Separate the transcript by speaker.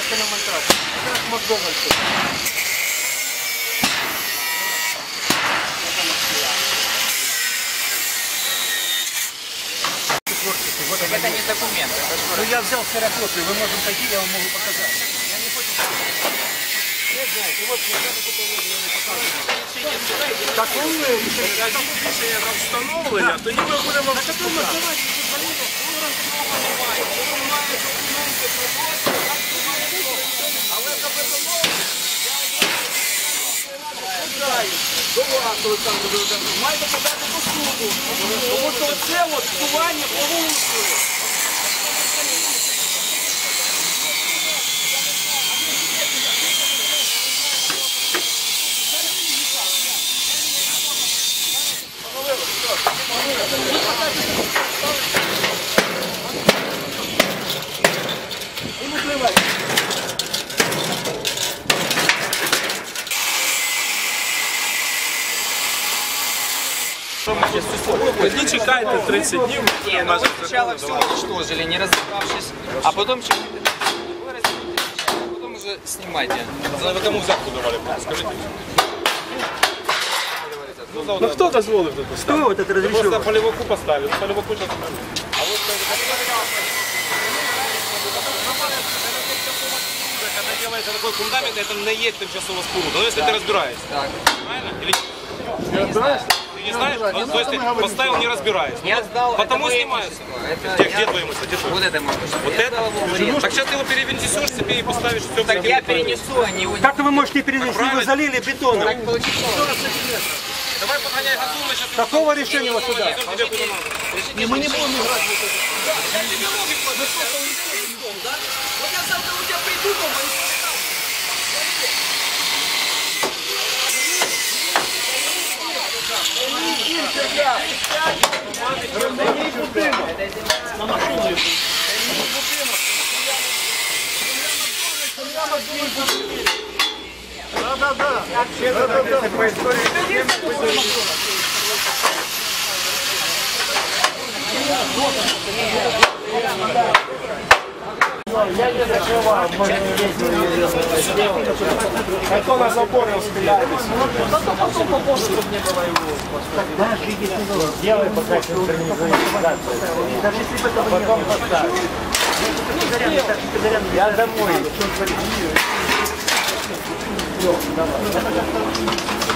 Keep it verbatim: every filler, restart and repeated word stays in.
Speaker 1: Немножко на монтаж. Это как Макдональдс.
Speaker 2: Вот это не документ.
Speaker 1: Ну я взял ксерокопию, вы можете пойти, я вам могу показать. Я не хочу. Не знаете, вот я не показываю. Так он рішення на встановлення, тоді ми будемо встановити. Але капітаном до вас, Олександр Володимирович, маєте подати до суду. Тому що це от псування порушує.
Speaker 3: Не чекайте тридцать дней.
Speaker 2: Не, ну вы сначала все уничтожили, не разобравшись, а потом через а потом уже снимайте.
Speaker 3: Вы кому взятку давали? Скажите. Ну кто дозволил это поставить?
Speaker 1: Кто вот это разрешил?
Speaker 3: Просто полевоку поставили. Полевоку сейчас. А вот когда делается такой фундамент, это не есть тимчасова споруда. Но если ты разбираешься.
Speaker 2: Так.
Speaker 3: Правильно? Или не разбираешься? Не знаешь? Ну, то есть ты поставил, не разбираясь.
Speaker 2: Я сдал.
Speaker 3: Потому снимаются.
Speaker 2: Это
Speaker 3: Где, где твое имущество? Где твое?
Speaker 2: Вот это мое имущество.
Speaker 3: Вот
Speaker 2: Я
Speaker 3: это?
Speaker 2: сдал его в аренду.
Speaker 3: Так сейчас ты его перенесешь себе и поставишь все.
Speaker 2: Так я перенесу, а не его.
Speaker 1: Как вы можете перенести? Вы залили бетоном.
Speaker 2: Так получится.
Speaker 3: Давай погоняй газон, мы сейчас...
Speaker 1: Какого решения у вас сюда?
Speaker 3: Не, мы не будем играть в это.
Speaker 4: Вот я завтра у тебя приду дома и поставлю.
Speaker 1: На машину. Да, да, да. Это по истории. Я не закрываю, можно а то на заборе успеялись. Потом попозже, чтобы не было его. Делай пока синхронизацию. Даже если бы это потом поставить. Я домой. Все, давай.